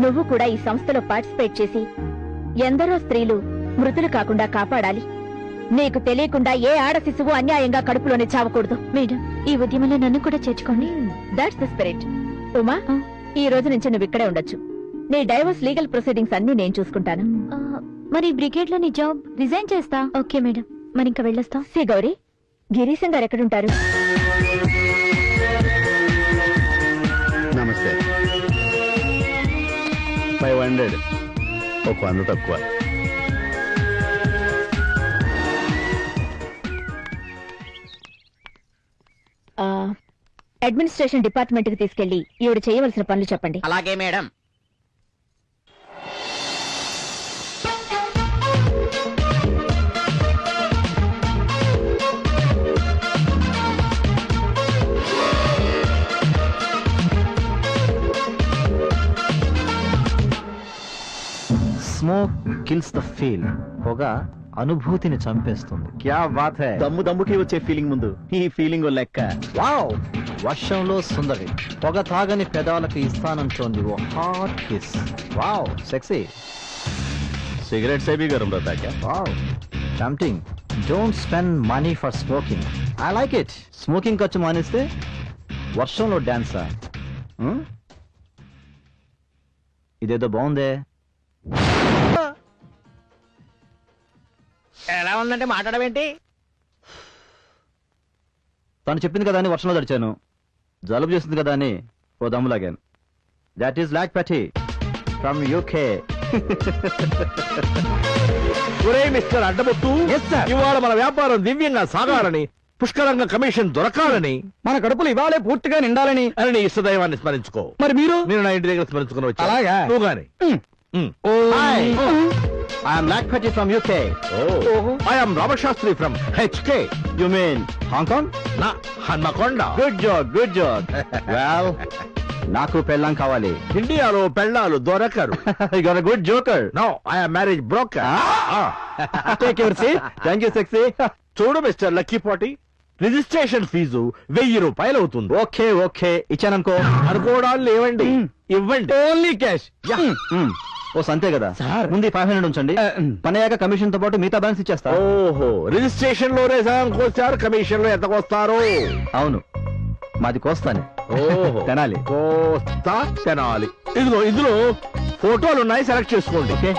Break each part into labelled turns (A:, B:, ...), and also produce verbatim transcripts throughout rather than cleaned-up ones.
A: నువ్వు కూడా ఈ సంస్థలో పార్టిసిపేట్ చేసి ఎందరో స్త్రీలు మృతులు కాకుండా కాపాడాలి. నీకు తెలియకుండా ఏ ఆడ శిశువు అన్యాయంగా కడుపులోనే చావకూడదు.
B: మేడం, ఈ ఉద్యమంలో నన్ను కూడా చేర్చుకోండి.
A: That's the spirit. ఉమా, ఈ రోజు నుంచి నువ్వు ఇక్కడే ఉండొచ్చు. నీ డైవర్స్ లీగల్ ప్రొసీడింగ్స్ అన్ని నేను చూసుకుంటాను.
B: మరి బ్రిగేడ్ లో నీ జాబ్ రిజైన్ చేస్తా. ఓకే మేడం, మరి ఇంకా వెళ్ళొస్తా.
A: సి గౌరీ, గిరీశం గారు ఎక్కడుంటారు?
C: నమస్తే. ఫైవ్ హండ్రెడ్ ఒక వంద తక్కువ.
A: అడ్మినిస్ట్రేషన్ డిపార్ట్మెంట్ కి తీసుకెళ్లి ఈవిడ చేయవలసిన పనులు చెప్పండి.
D: అలాగే madam.
E: Smoke kills the feel. పొగ అనుభూతిని చంపేస్తుంది. క్యా బాత్ హై.
C: దమ్ము దమ్ముకి వచ్చే ఫీలింగ్ ముందు ఈ ఫీలింగ్ లెక్క.
E: వావ్. వర్షంలో సుందరి పొగ తాగని పెదాలకు ఇస్తానంటోంది ఓ hot kiss. Wow sexy.
C: Cigarette సేబీ గరం రహతా క్యా?
E: Wow tempting. Don't spend money for smoking. I like it. Smoking ఖర్చు మానేస్తే వర్షంలో డాన్సా? ఇదేదో బాగుందే.
D: ఎలా ఉందంటే మాట్లాడవేంటి?
E: తను చెప్పింది కదా అని వర్షంలో తడిచాను. జలుబు చేస్తుంది కదా అని ఓ దమ్ము లాగాను. That is Lakhpati from UK.
F: ఒరే మిస్టర్ అడ్డబొట్టు, ఇవాళ మన వ్యాపారం దివ్యంగా సాగాలని, పుష్కలంగా కమిషన్ దొరకాలని,
G: మన కడుపులు ఇవాళే పూర్తిగా నిండాలని
F: అని నీ ఇష్టదైవాన్ని స్మరించుకో.
G: మరి మీరు?
F: నేను నా ఇంటి దగ్గర స్మరించుకుని వచ్చా.
G: అలాగా?
F: నువ్వు గాని.
E: Hi, I am Lakhpati from UK.
F: I am Ramashastri from HK.
E: You mean Hong?
F: నా Hanamkonda.
E: Good job, good job. Well, నాకు పెళ్ళాం కావాలి.
F: ఇండియాలో పెళ్ళాలు దొరకరు.
E: You got a good joker.
F: No, I am marriage broker.
E: Take your seat. Thank you sexy.
F: చూడు mister lucky Pati, registration fee వెయ్యి రూపాయలు అవుతుంది.
E: Okay okay, ఇచ్చాననుకో.
F: అనుకోవడాలు లేవండి, ఇవ్వండి.
G: Only cash.
E: ఓ సంతే కదా ముందు ఫైవ్ హండ్రెడ్ ఉంచండి. పని అయ్యాక కమిషన్ తో పాటు మిగతా బ్యాలెన్స్ ఇచ్చేస్తా.
F: ఓహో, రిజిస్ట్రేషన్ లోనే సగం కోస్తారు, కమిషన్ లో ఎంత కోస్తారు?
E: అవును, మాది కోస్తానే.
F: ఓహో,
E: తినాలి.
F: కోస్తా తినాలి. ఇదిగో ఇందులో ఫోటోలు ఉన్నాయి, సెలెక్ట్ చేసుకోండి.
E: ఓకే.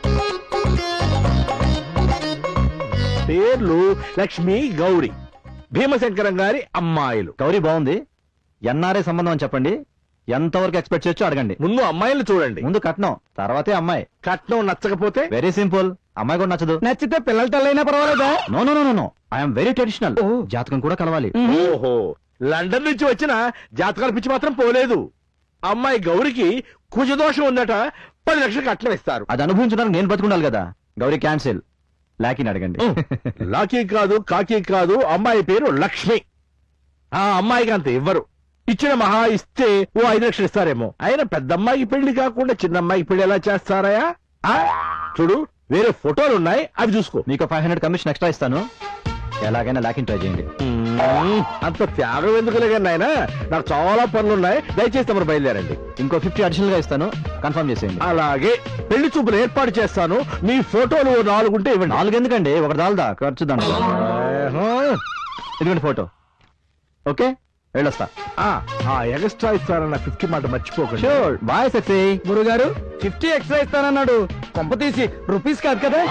F: పేర్లు లక్ష్మి, గౌరీ. భీమశంకరం గారి అమ్మాయిలు.
E: గౌరీ బాగుంది. ఎన్ఆర్ఐ సంబంధం అని చెప్పండి. ఎంతవరకు ఎక్స్పెక్ట్ చేయొచ్చు అడగండి.
F: ముందు అమ్మాయిలు చూడండి.
E: ముందు కట్నం, తర్వాతే అమ్మాయి.
F: కట్నం నచ్చకపోతే?
E: వెరీ సింపుల్, అమ్మాయి కూడా నచ్చదు.
G: నచ్చితే పిల్లల తల్లైనా పర్వాలేదా?
E: No no no no, I'm very traditional. జాతకం కూడా కలవాలి.
F: ఓహో, లండన్ నుంచి వచ్చిన జాతకాల పిచ్చి మాత్రం పోలేదు. అమ్మాయి గౌరికి కుజదోషం ఉందట, పది లక్షలు కట్నం ఇస్తారు.
E: అది అనుభవించడానికి నేను బతుకుండాలి కదా. గౌరీ క్యాన్సిల్. లాకీని అడగండి.
F: లాకీ కాదు, కాకి కాదు, అమ్మాయి పేరు లక్ష్మి. ఆ అమ్మాయికి అంత ఇవ్వరు. ఇచ్చిన మహా ఇస్తే ఓ ఐదు లక్షలు ఇస్తారేమో. అయినా పెద్ద అమ్మాయికి పెళ్లి కాకుండా చిన్న అమ్మాయికి పెళ్లి ఎలా చేస్తారయా? చూడు, వేరే ఫోటోలు ఉన్నాయి, అవి చూసుకో.
E: మీకు ఫైవ్ హండ్రెడ్ కమిషన్ ఎక్స్ట్రా ఇస్తాను. ఎలాగైనా లాకిన్ ట్రై చేయండి.
F: అంత త్యాగం ఎందుకులే కానీ నాయన, నాకు చాలా పనులు ఉన్నాయి. దయచేసి తమరు బయలుదేరండి.
E: ఇంకో ఫిఫ్టీ అడిషనల్ గా ఇస్తాను, కన్ఫర్మ్ చేసేయండి.
F: అలాగే, పెళ్లి చూపులు ఏర్పాటు చేస్తాను. మీ ఫోటోలు నాలుగు ఉంటే ఇవ్వండి.
E: నాలుగు ఎందుకండి, ఒకటి దాల్దా ఖర్చు దాంట్లో. ఇదిగోండి ఫోటో. ఓకే, వెళ్ళొస్తా.
F: ఎక్స్ట్రా ఇస్తానన్న ఫిఫ్టీ మాట మర్చిపోకండి.
E: షూర్. Bye sexy.
G: గురుగారు ఫిఫ్టీ ఎక్స్ట్రా ఇస్తానన్నాడు. కొంప తీసి రూపీస్ కాదు కదా?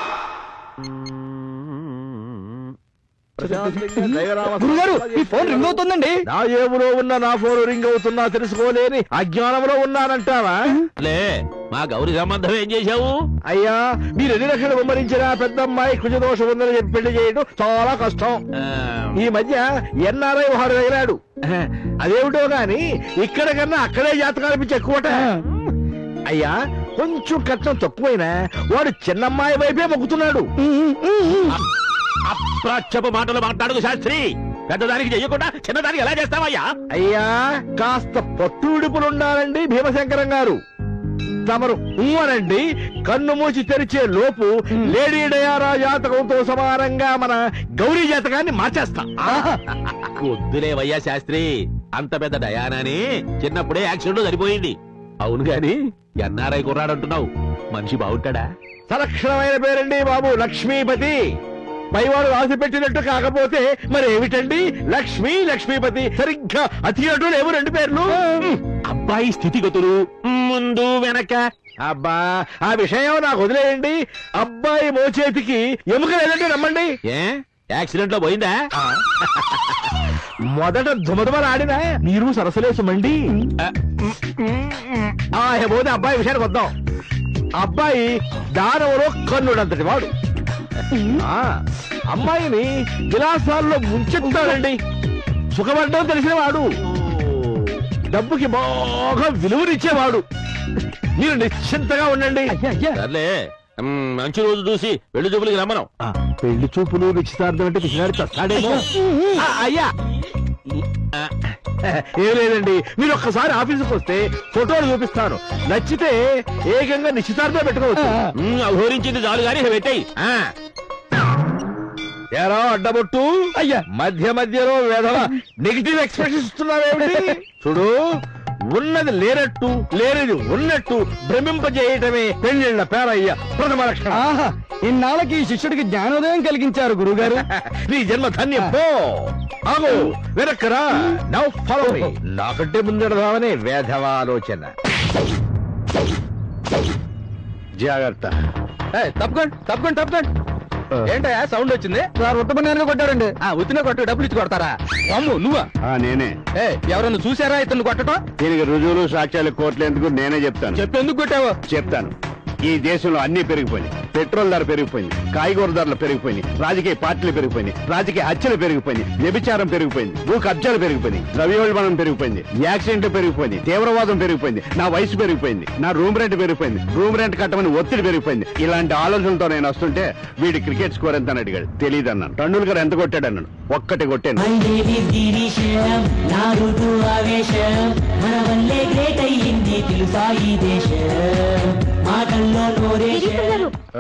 G: గురుగారు, ఈ ఫోన్ రింగ్ అవుతుందండి.
F: నా ఏములో ఉన్న నా ఫోన్ రింగ్ అవుతున్నా తెలుసుకోలేని అజ్ఞానంలో ఉన్నానంటావా?
D: లే, మా గౌరీ సంబంధం ఏం చేశావు?
F: అయ్యా, మీరు ఎన్ని లక్షలు విమరించినా పెద్ద అమ్మాయి కుజదోషం ఉందని చెప్పి పెళ్లి చేయడం చాలా కష్టం. ఈ మధ్య ఎన్ఆర్ఐ వాడు తగిలాడు. అదేమిటో గాని ఇక్కడ కన్నా అక్కడే జాతకాలు పిచ్చి ఎక్కువట. అయ్యా, కొంచెం కట్నం తక్కువైనా వాడు చిన్నమ్మాయి వైపే మొక్కుతున్నాడు.
D: అప్రాచ్యపు మాటలు మాట్లాడుకు శాస్త్రి. పెద్దదానికి చెయ్యకుండా చిన్నదానికి ఎలా చేస్తావయ్యా?
F: అయ్యా, కాస్త పట్టు విడుపులుండాలండి భీమశంకరం గారు. తమరు ఊరండి, కన్ను మూసి తెరిచే లోపు లేడీ డయారా జాతకంతో సమానంగా మన గౌరీ జాతకాన్ని మార్చేస్తా.
D: వద్దులేవయ్యా శాస్త్రి, అంత పెద్ద డయానాని చిన్నప్పుడే యాక్సిడెంట్ సరిపోయింది. అవును గాని ఎన్ఆర్ఐ కుర్రాడంటున్నావు మనిషి బాగుంటాడా?
F: సలక్షణమైన పేరండి బాబు, లక్ష్మీపతి. పైవాడు రాసి పెట్టినట్టు కాకపోతే మరి ఏమిటండి? లక్ష్మీ లక్ష్మీపతి, సరిగ్గా అతి అటు లేవు రెండు పేర్లు.
D: అబ్బాయి స్థితిగతులు ముందు వెనక.
F: అబ్బా ఆ విషయం నాకు వదిలేయండి. అబ్బాయి మోచేతికి ఎముక లేదంటే నమ్మండి.
D: ఏ యాక్సిడెంట్ లో పోయిందా?
F: మొదట దుమదుమలాడినా మీరు సరసలేసమండి. ఆ పోతే అబ్బాయి విషయానికి వద్దాం. అబ్బాయి దానవలో కన్నుడంతటి వాడు. ఆ అమ్మాయిని విలాసాల్లో ముంచెత్తాడండి. సుఖపడ్డం తెలిసిన వాడు, డబ్బుకి బాగా విలువనిచ్చేవాడు. మీరు నిశ్చింతగా ఉండండి.
D: సర్లే, మ్, మంచి రోజు చూసి పెళ్లి చూపులకి రమ్మను.
F: పెళ్లి చూపులు నిశ్చితార్థం అంటే పిచ్చినాడు చస్తాడేమో. ఆ, అయ్యా ఏం లేదండి, మీరు ఒక్కసారి ఆఫీసుకు వస్తే ఫోటోలు చూపిస్తాను. నచ్చితే ఏకంగా నిశ్చితార్థం పెట్టుకోవచ్చు.
D: మ్, అఘోరించింది చాలు గాని ఇక పెట్టేయ్. ఆ,
F: ఏరా అడ్డబొట్టు, అయ్యా మధ్య మధ్యలో వేధవ నెగిటివ్ ఎక్స్ప్రెషన్ ఇస్తున్నావేమిటి? చూడు, ఉన్నది లేనట్టు లేనిది ఉన్నట్టు భ్రమింపజేయటమే పెళ్ళిళ్ళ పేరయ్య ప్రథమ లక్షణం.
G: ఆహా, ఇన్నాళ్ళకి ఈ శిష్యుడికి జ్ఞానోదయం కలిగించారు గురుగారు.
F: నీ జన్మ ధన్యం. పో ఆగు, వెనక్కరా. Now follow me. నాకంటే ముందెడదామనే వేధవ ఆలోచన. జాగ్రత్త.
G: ఏయ్, తప్పకండి తప్పకండి తప్పకండి. ఏంటయ్యా సౌండ్ వచ్చింది? సార్ ఉత్తమన్యాన్ని కొట్టాడండి. ఆ ఉత్తిన కొట్టు డబ్బులు ఇచ్చి కొడతారా? అమ్ము నువ్వా?
C: ఆ, నేనే.
G: ఏ ఎవరన్నా చూసారా ఇతను కొట్టడం?
C: దీనికి రుజువులు సాక్ష్యాలు కోర్టులు ఎందుకు నేనే చెప్తాను.
G: చెప్పేందుకు కొట్టావు?
C: చెప్తాను. ఈ దేశంలో అన్ని పెరిగిపోయినాయి. పెట్రోల్ ధర పెరిగిపోయింది, కాయగూర ధరలు పెరిగిపోయినాయి, రాజకీయ పార్టీలు పెరిగిపోయినాయి, రాజకీయ హత్యలు పెరిగిపోయినాయి, వ్యభిచారం పెరిగిపోయింది, భూ కబ్జాలు పెరిగిపోయినాయి, ద్రవ్యోల్బణం పెరిగిపోయింది, యాక్సిడెంట్లు పెరిగిపోయింది, తీవ్రవాదం పెరిగిపోయింది, నా వయసు పెరిగిపోయింది, నా రూమ్ రెంట్ పెరిగిపోయింది, రూమ్ రెంట్ కట్టమని ఒత్తిడి పెరిగిపోయింది. ఇలాంటి ఆలోచనలతో నేను వస్తుంటే వీడి క్రికెట్ స్కోర్ ఎంత అని అడిగాడు. తెలియదు అన్నాను. టండూల్కర్ ఎంత కొట్టాడు అన్నాడు. ఒక్కటి కొట్టాను.
H: వందేది గిరీశం నా ఋతు ఆవేశం మన వల్లే గ్రేట్ అయ్యింది తెలుసా ఈ దేశం మాటల్లో నోరేశం.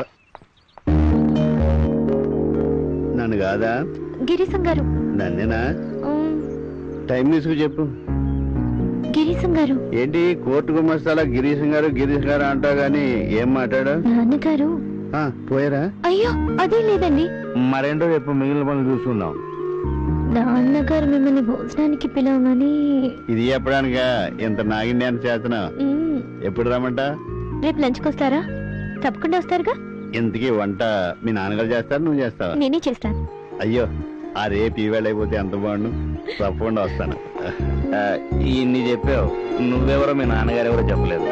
C: నన్ను కాదా?
B: గిరీశం గారు.
C: నన్నేనా?
B: ఉమ్,
C: టైం తీసుకు చెప్పు.
B: గిరీశం గారు.
C: ఏంటి కోర్టు గుమస్తాలా గిరీశం గారు గిరీశం గారు అంటావు గాని ఏం మాట్లాడా?
B: నాన్నగారు.
C: ఆ, పోయారా?
B: అయ్యో అదే లేదండి.
C: మరేంటో చెప్పు, మిగిలిన పనులు చూసుకుందాం.
B: నాన్నగారు మిమ్మల్ని భోజనానికి పిలవమని.
C: ఇది చెప్పడానికా ఇంత నాగిన్యాన్ని చేస్తున్నావు?
B: ఉమ్,
C: ఎప్పుడు రమ్మంట?
B: రేపు లంచ్కి వస్తారా? తప్పకుండా వస్తారుగా.
C: ఇంతకీ వంట మీ నాన్నగారు చేస్తారు, నువ్వు చేస్తావా?
B: నేనే చేస్తాను.
C: అయ్యో, ఆ రేపు ఈవేళ అయిపోతే ఎంత బాగుండు. తప్పకుండా వస్తాను. ఆ, ఇన్ని చెప్పావు, నువ్వెవరో మీ నాన్నగారు ఎవరో చెప్పలేదు.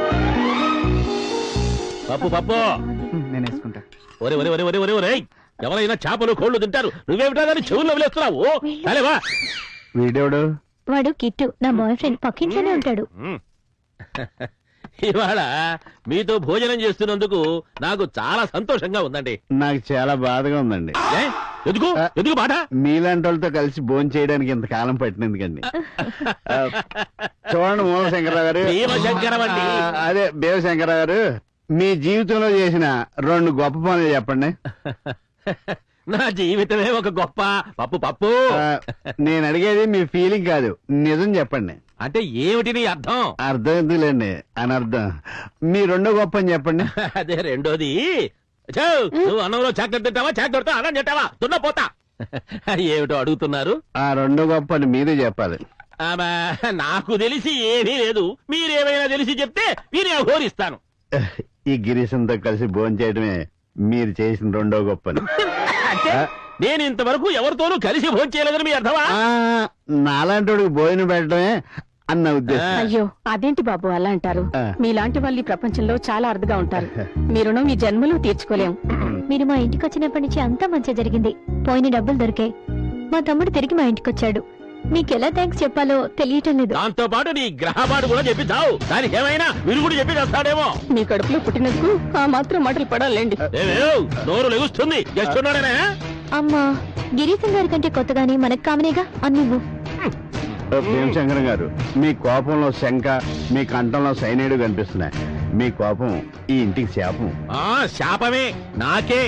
D: పప్పు పప్పు.
G: నేను వేసుకుంటా.
D: ఒరే ఒరే ఒరే ఒరే ఒరే ఒరే ఎవరైనా చేపలు కోళ్లు తింటారు, నువ్వేమిటా దాన్ని చెవుల్లో వదిలేస్తున్నావు? సరేవా?
C: వీడెవడు?
B: వాడు కిట్టు, నా బాయ్ ఫ్రెండ్. పక్కింట్లోనే ఉంటాడు.
D: మ్. ఇవాళ మీతో భోజనం చేస్తున్నందుకు నాకు చాలా సంతోషంగా ఉందండి.
C: నాకు చాలా బాధగా ఉందండి.
D: ఏ? ఎందుకు ఎందుకు బాధ?
C: మీలాంటి వాళ్ళతో కలిసి భోజనం చేయడానికి ఇంతకాలం పట్టినందుకండి. ఆ, చూడండి మూల శంకరరావు గారు.
D: భీమశంకరం అండి.
C: ఆ, అదే భీమశంకరరావు గారు, మీ జీవితంలో చేసిన రెండు గొప్ప పనులు చెప్పండి.
D: నా జీవితమే ఒక గొప్ప పప్పు పప్పు.
C: ఆ, నేను అడిగేది మీ ఫీలింగ్ కాదు, నిజం చెప్పండి.
D: అంటే ఏమిటి నీ అర్థం?
C: అర్థం ఎందుకులేండి, అనర్థం. మీ రెండో గొప్ప అని చెప్పండి.
D: అదే రెండోది. ఛో, నువ్వు అన్నంలో చాక్లెట్ తింటావా, చాక్లెట్తో అన్నం తింటావా? తున్నా పోతా. ఏమిటో అడుగుతున్నారు?
C: ఆ రెండో గొప్ప అని మీరే చెప్పాలి.
D: ఆమా, నాకు తెలిసి ఏమీ లేదు. మీరేమైనా తెలిసి చెప్తే మీరే అఘోరిస్తాను.
C: ఈ గిరీశంతో కలిసి భోజనం చేయడమే మీరు చేసిన రెండో గొప్ప అని.
D: అంటే నేను ఇంతవరకు ఎవరితోనూ కలిసి భోంచేయలేదని మీ అర్థమా?
C: ఆ, నాలాంటి భోజనం పెట్టడమే అన్న ఉద్దేశం.
A: అయ్యో అదేంటి బాబు అలా అంటారు?
C: ఆ.
A: మీలాంటి వాళ్ళు ఈ ప్రపంచంలో చాలా అరుదుగా ఉంటారు. మీ రుణం ఈ జన్మలో తీర్చుకోలేం.
B: మీరు మా ఇంటికి వచ్చినప్పటి నుంచి అంతా మంచి జరిగింది. పోయిన డబ్బులు దొరికాయి. మా తమ్ముడు తిరిగి మా ఇంటికి వచ్చాడు. మీకెలా థ్యాంక్స్ చెప్పాలో తెలియటం లేదు.
D: దాంతో పాటు నీ గ్రహపాటు కూడా చెప్పి చావు. దానికి ఏమైనా విరుగుడు చెప్పి చేస్తాడేమో.
A: మీ కడుపులో పుట్టినందుకు ఆ మాత్రం మాటలు పడాలండి.
D: ఏమేవ్, నోరు లెగుస్తుంది. చేస్తున్నాడనే
B: అమ్మా, గిరీశం గారి కంటే కొత్తగానే మనకు కామనేగా అన్నివ్వు.
C: భీమశంకరం గారు, మీ కోపంలో శంక, మీ కంఠంలో సైనైడ్ కనిపిస్తున్నాయి. మీ కోపం ఈ ఇంటికి శాపం.
D: ఆ శాపమే నాకే.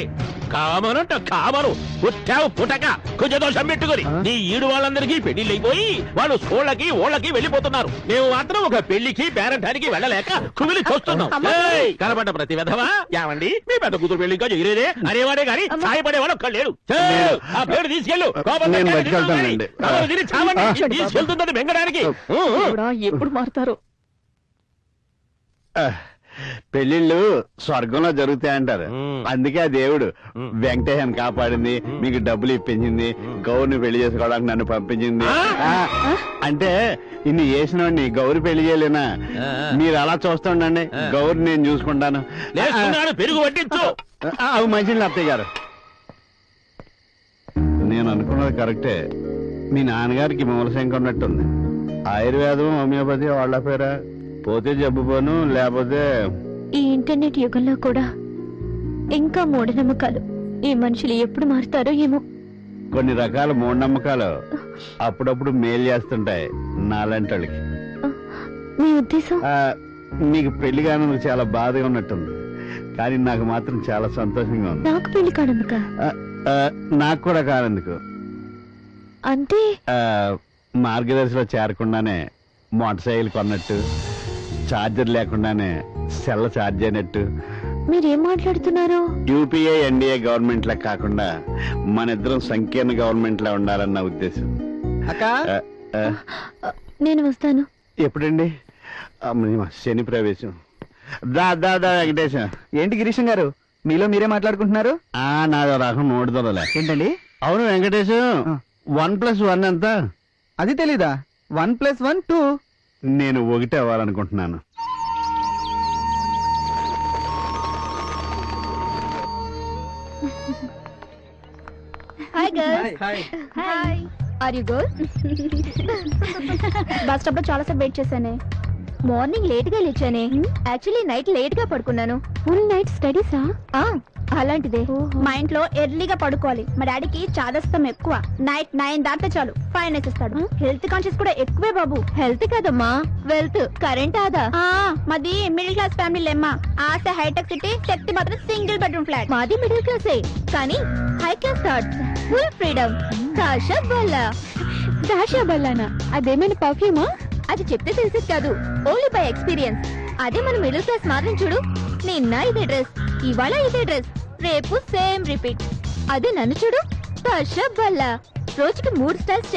D: కామనంట కామను పుట్టావు పుటక కుజదోషం పెట్టుకుని నీ ఈడు వాళ్ళందరికీ పెళ్లిళ్ళైపోయి వాళ్ళు సోళ్ళకి ఓళ్ళకి వెళ్ళిపోతున్నారు. మేము మాత్రం ఒక పెళ్లికి పేరంటానికి వెళ్ళలేక కుమిలి చూస్తున్నాం. ఏయ్, కనబడ్డ ప్రతి విధవా ఏమండి మీ పెద్ద కూతురు పెళ్లి ఇంకా చేయలేదే అనేవాడే గాని సాయపడేవాడు ఒక్క లేడు. ఛే, ఆ పేరు తీసుకెళ్ళు
C: నేను బతికెళ్తానండి.
D: తీసుకెళ్తుందని బెంగడానికి.
A: ఎప్పుడు మారుతారు?
C: పెళ్లిళ్ళు స్వర్గంలో జరుగుతాయంటారు.
D: మ్మ్.
C: అందుకే ఆ దేవుడు
D: మ్మ్.
C: వెంకటేశ్వరని కాపాడింది, మీకు డబ్బులు ఇప్పించింది, గౌరిని పెళ్లి చేసుకోవడానికి నన్ను పంపించింది. ఆ, అంటే ఇన్ని చేసినవాడిని గౌరి పెళ్లి చేయలేనా?
D: ఆ.
C: మీరు అలా చూస్తుండండి,
D: ఆ.
C: గౌరి నేను చూసుకుంటాను.
D: లేస్తున్నాడు, పెరుగు పట్టించు.
C: ఆ, అవి మంచిది అత్తయ్య గారు. నేను అనుకున్నది కరెక్టే. మీ నాన్నగారికి మూలశంక ఉన్నట్టుంది. ఆయుర్వేదం హోమియోపతి వాళ్ళ పేరా? పోతే జబ్బు పోను, లేకపోతే
B: ఈ ఇంటర్నెట్ యుగంలో కూడా ఇంకా మూఢనమ్మకాలు. ఈ మనుషులు ఎప్పుడు మారుతారో ఏమో.
C: కొన్ని రకాల మూఢనమ్మకాలు అప్పుడప్పుడు మేలు చేస్తుంటాయి నాలాంటి వాళ్ళకి.
B: మీ ఉద్దేశం?
C: ఆ, నీకు పెళ్లి కానందుకు చాలా బాధగా ఉన్నట్టుంది, కానీ నాకు మాత్రం చాలా సంతోషంగా ఉంది.
B: నాకు పెళ్లి కానందుక?
C: ఆ, ఆ, నాకు కూడా కానందుకు.
B: అంటే
C: ఆ, మార్గదర్శిలో చేరకుండానే మోటార్ సైకిల్ కొన్నట్టు, ఛార్జర్ లేకుండానే సెల్ ఛార్జ్ అయినట్టు.
B: మీరేం మాట్లాడుతున్నారు?
C: యూపీఏ ఎన్డీఏ గవర్నమెంట్ లా కాకుండా మన ఇద్దరం సంకీర్ణ గవర్నమెంట్ లా ఉండాలన్న ఉద్దేశం.
G: అక్క
C: ఆ, ఆ,
B: నేను వస్తాను.
C: ఎప్పుడండి? అమ్మా, శని ప్రవేశం. దా దా దా వెంకటేశం.
G: ఏంటి గిరీశం గారు, మీలో మీరే మాట్లాడుకుంటున్నారు?
C: ఆ నాదో రకం నోడుదలే.
G: ఏంటండి?
C: అవును వెంకటేశం,
G: ఆ.
C: వన్ ప్లస్ వన్ ఎంత?
G: అది తెలీదా? One plus one two.
C: నేను ఒకటి అవ్వాలనుకుంటున్నాను.
A: Hi girls. Hi. Are you good? Bus stop లో చాలా సేపు వెయిట్ చేశానే. మార్నింగ్ లేట్ గా లేచానే. యాక్చువల్లీ నైట్ లేట్ గా పడుకున్నాను.
B: ఫుల్ నైట్ స్టడీసా?
A: అలాంటిదే. మా ఇంట్లో ఎర్లీగా పడుకోవాలి. మా డాడీకి చాదస్తం ఎక్కువ. నైట్ నైన్ దాటితే చాలు ఫైన్ వేసేస్తాడు. హెల్త్ కాన్షియస్ కూడా ఎక్కువే బాబు.
B: హెల్త్ కదమ్మా, వెల్త్, కరెంట్ ఆదా.
A: ఆ మాది మిడిల్ క్లాస్ ఫ్యామిలీ లేమ్మా. ఆశ హైటెక్ సిటీ, శక్తి మాత్రం సింగిల్ బెడ్రూమ్ ఫ్లాట్.
B: మాది మిడిల్ క్లాసే, కానీ high class thoughts, full freedom. దాషా బల్లా. దాషా బల్లానా? అదేమైనా పర్ఫ్యూమా? అది చెప్తే తెలిసేది కాదు, ఓన్లీ బై ఎక్స్పీరియన్స్. అదే మన మిడిల్ క్లాస్ మాత్రం చూడు. నిన్న ఇదే డ్రెస్, ఇవాళ ఇదే డ్రెస్, రేపు సేమ్ రిపీట్. అదే నన్ను చూడు, దాషా బల్లా. రోజుకి మూడు స్టైల్స్